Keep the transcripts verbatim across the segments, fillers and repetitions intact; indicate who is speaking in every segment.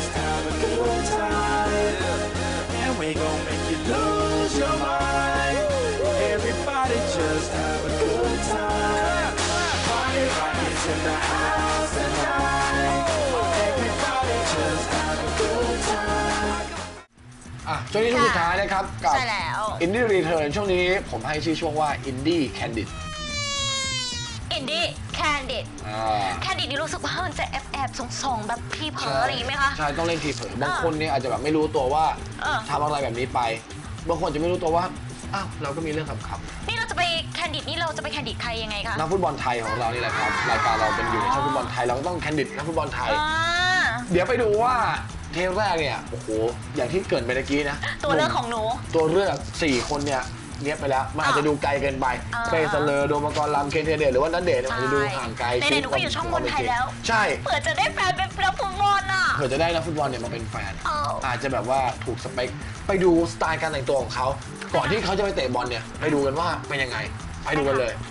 Speaker 1: just have a good time, and we gon' make you lose your mind. Everybody just have a good time. Party rockers in the house tonight. Everybody just have a good time.
Speaker 2: อ่ะช่วงนี้ช่วงสุดท้ายนะครับกับ Indie Return ช่วงนี้ผมให้ชื่อช่วงว่า Indie Candid
Speaker 3: Indie Candid Candid นี่รู้สึกว่ามันจะแอบแอบส่งๆแบบพี่เผลออะไรอย่างนี้ไหมคะ
Speaker 2: ใช่ต้องเล่นทีเผลอบางคนเนี่ยอาจจะแบบไม่รู้ตัวว่าทำอะไรแบบนี้ไปบางคนจะไม่รู้ตัวว่าอ้าวเราก็มีเรื่องขำๆ
Speaker 3: นี่เราจะไปแคนดิดนี่เราจะไปแคนดิดใครยังไงคะ
Speaker 2: นักฟุตบอลไทยของเรานี่แหละครับรายการเราเป็นอยู่ในช่องฟุตบอลไทยเราก็ต้องแคนดิดนักฟุตบอลไทยเดี๋ยวไปดูว่าเทปแรกเนี่ยโอ้โหอย่างที่เกิดไปเมื่อกี้นะ
Speaker 3: ตัวเลือกของหนู
Speaker 2: ตัวเลือกสี่คนเนี่ยเนี้ยไปแล้วมันอาจจะดูไกลเกินไปเป้เสลอโดมกรลำเคนเทเดชหรือว่านัทเดชอาจจะดูห่างไกล
Speaker 3: ในหนูก็อยู่ช่องบอลไทยแล้ว
Speaker 2: ใช่
Speaker 3: เผื่อจะได้แฟนเป็นนักฟุตบอลอ่ะ
Speaker 2: เผื่อจะได้นักฟุตบอลเนี่ยมาเป็นแฟนอาจจะแบบว่าถูกสเปคไปดูสไตล์การแต่งตัวของเขาก่อนที่เขาจะไปเตะบอลเนี่ยไปดูกันว่าเป็นยังไงไปดูกันเลย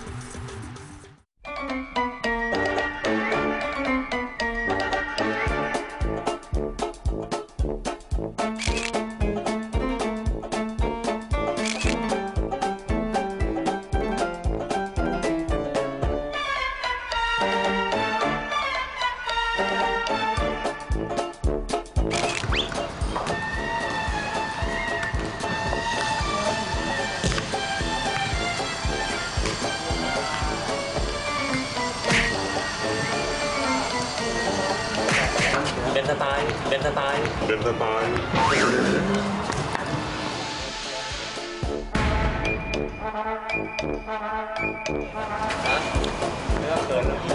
Speaker 4: เดินสไตล์เดินสไตล์เดินสไตล์ไม่ต้องเขินแล้ว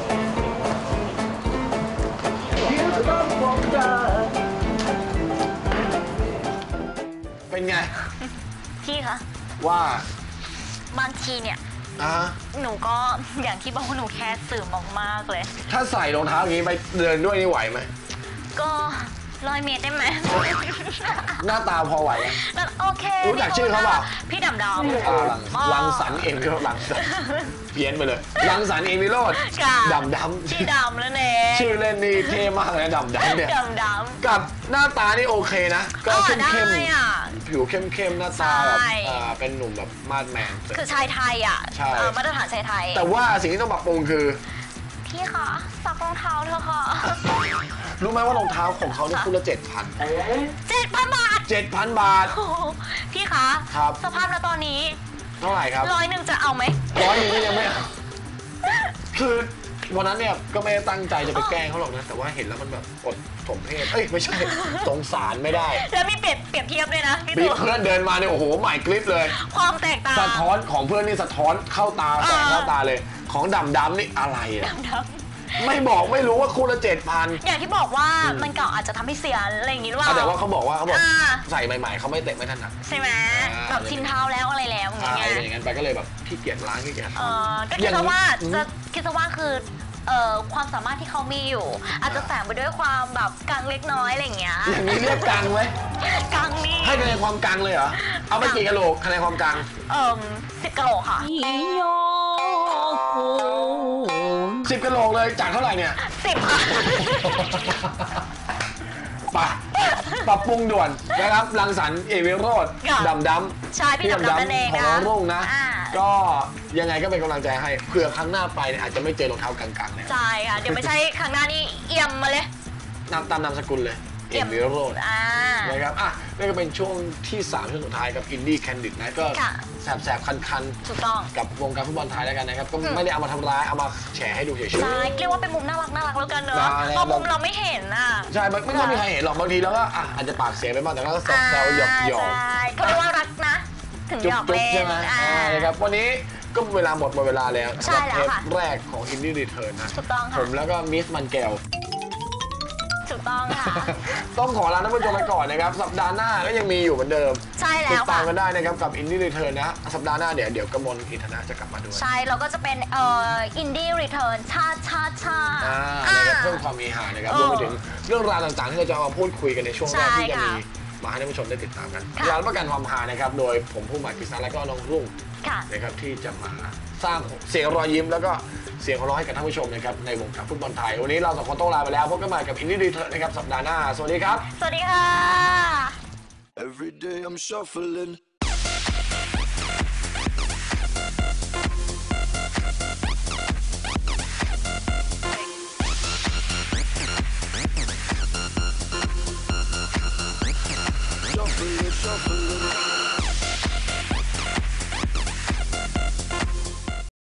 Speaker 2: เป็นไง
Speaker 3: พี่คะ
Speaker 2: ว่า
Speaker 3: บางทีเนี่ยหนูก็อย่างที่บอกว่าหนูแค่สื่อมากๆเลย
Speaker 2: ถ้าใส่รองเท้าอย่างนี้ไปเดินด้วยนี่ไหวไหม
Speaker 3: ก็ร้อยเมตรได้ไหม
Speaker 2: หน้าตาพอไหว
Speaker 3: โอเค
Speaker 2: รู้จักชื่อเขาเปล่า
Speaker 3: พี่ดำดำ
Speaker 2: ลังสรรเอ็มวิโรจน์ลังสรรเพี้ยนไปเลยลังสรรเอ็มวิโรจน์ดำดำ
Speaker 3: ชื่อดำแล้วเนี่ย
Speaker 2: ชื่อเล่นนี่เท่มากเลยดำดำเนี่ย
Speaker 3: ดำดำ
Speaker 2: กับหน้าตานี่โอเคนะก็เข้มเข้มผิวเข้มเข้มหน้าตาแบบเป็นหนุ่มแบบมาดแมน
Speaker 3: คือชายไทยอ่ะมาตรฐานชายไทย
Speaker 2: แต่ว่าสิ่งที่ต้องปรับปรุงคือ
Speaker 3: พี่คะซักรองเท้าเถอะค่ะ
Speaker 2: รู้ไหมว่ารองเท้าของเขานี่คู่ละเจ็ดพัน
Speaker 3: เจ็ดพันบาท
Speaker 2: เจ็ดพันบาท
Speaker 3: พี่คะ
Speaker 2: ครับ
Speaker 3: สภาพแล้วตอนนี้
Speaker 2: เท่าไหร่ครับ
Speaker 3: ร้อยหนึ่งจะเอาไหม
Speaker 2: ร้อยหนึ่งก็ยังไม่เอาคือวันนั้นเนี่ยก็ไม่ได้ตั้งใจจะไปแกล้งเขาหรอกนะแต่ว่าเห็นแล้วมันแบบอดสมเพศเอ้ยไม่ใช่สงสารไม่ได้
Speaker 3: แล้วมีเปรียบเปรียบเทียบด้วยนะ
Speaker 2: พี่ตัวเพื่อนเดินมาเนี่ยโอ้โหใหม่กริ๊บเลย
Speaker 3: ความแตกต่าง
Speaker 2: สะท้อนของเพื่อนนี่สะท้อนเข้าตาแสงเข้าตาเลยของดำดำนี่อะไรอะไม่บอกไม่รู้ว่าคู่ละเจ็ดพัน
Speaker 3: อย่างที่บอกว่ามันเก่าอาจจะทำให้เสียอะไรอย่างนี้หรือเปล่า
Speaker 2: แต่ว่าเขาบอกว่าเขาบอกใส่ใหม่ๆเขาไม่เตะไม่ถนัด
Speaker 3: ใช่ไหมแบบชินเท้าแล้วอะไรแล้วอย่างเงี้ย
Speaker 2: อย่างนั้นไปก็เลยแบบขี้เกียจล้างขี้เกียจ
Speaker 3: เออก็คิดว่าจะคิดว่าคือเอ่อความสามารถที่เขามีอยู่อาจจะแฝงไปด้วยความแบบกังเล็กน้อยอะไรอย่างเงี้ย
Speaker 2: อย่างนี้เรียกกังไหม
Speaker 3: กังนี่
Speaker 2: ให้คะแนนความกังเลยเหรอเอาไปกี่กะโหลกคะแนนความกัง
Speaker 3: เอ่อสิบกะโหลกค่ะ
Speaker 2: สิบกะโหลกเลยจากเท่าไหร่เนี่ย
Speaker 3: สิบค่ะ
Speaker 2: ปะปรับปรุงด่วนนะครับรังสรรค์เอวิโรจน์ดำดำ
Speaker 3: ใช่พี่ดำดำนั่นเอง
Speaker 2: นะของน้องรุ่งนะก็ยังไงก็เป็นกำลังใจให้เผื่อครั้งหน้าไปอาจจะไม่เจอรองเท้ากลางๆเลย
Speaker 3: ใช่ค่ะเดี๋ยวไม่ใช่ครั้งหน้านี่เอี่ยมมาเลย
Speaker 2: นามตามนามสกุลเลยเอี่ยมวิโรจน์นะครับอ่ะนี่ก็เป็นช่วงที่สามช่วงสุดท้ายกับอินดี้แคนดิดนะก็แสบๆคัน
Speaker 3: ๆถูกต้อง
Speaker 2: กับวงการฟุตบอลไทยแล้วกันนะครับก็ไม่ได้เอามาทำร้ายเอามาแฉให้ดูเฉยๆ
Speaker 3: ใช่เรียกว่าเป็นมุมน่ารักน่ารักแล้วกันเนอะเพราะมุมเราไม่เห็นอ่ะ
Speaker 2: ใช่ไม่ต้องมีใครเห็นหรอกบางทีแล้วก็อาจจะปากเสียไปบ้างแต่ก็แซวหยอกหยอก
Speaker 3: เขาเรียกว่ารักนะถึงหยอกเล่น
Speaker 2: ใช่ไหมนะครับวันนี้ก็เวลาหมดหมดเวลาแล้วสำหรับเทปแรกของอินดี้รีเทิร์นนะ
Speaker 3: ถูกต้องค่ะ
Speaker 2: ผมแล้วก็มิสมันแก้ว
Speaker 3: ถูกต้องค่ะ
Speaker 2: ต้องขอลาท่านผู้ชมไปก่อนนะครับสัปดาห์หน้าก็ยังมีอยู่เหมือนเดิม
Speaker 3: ใช่แล้ว
Speaker 2: ติดตามกันได้นะครับกับ Indie Return นะสัปดาห์หน้าเดี๋ยวเดี๋ยวกมลอินทนะจะกลับมาด้วย
Speaker 3: ใช่เราก็จะเป็นเอ่อ Indie Return ชาชาชา
Speaker 2: เพิ่มความมีหานะครับรวมไปถึงเรื่องราวต่างๆที่เราจะมาพูดคุยกันในช่วงแรกที่จะมีมาให้ท่านผู้ชมได้ติดตามกันร้านประกันความหานะครับโดยผมผู้หมายกฤษณะและก็น้องรุ่ง
Speaker 3: ค่ะ
Speaker 2: นะครับที่จะมาสร้างเสียงรอยยิ้มแล้วก็เสียงหัวเราะให้กับท่านผู้ชมนะครับในวงการฟุตบอลไทยวันนี้เราสองคนต้องลาไปแล้วพบกันใหม่กับอินดี้ดีเทอร์นะครับสัปดาห์หน้าสวัสดีครับ
Speaker 3: สวัสดีค่ะ
Speaker 1: Every day I'm shuffling. Shuffling, shuffling.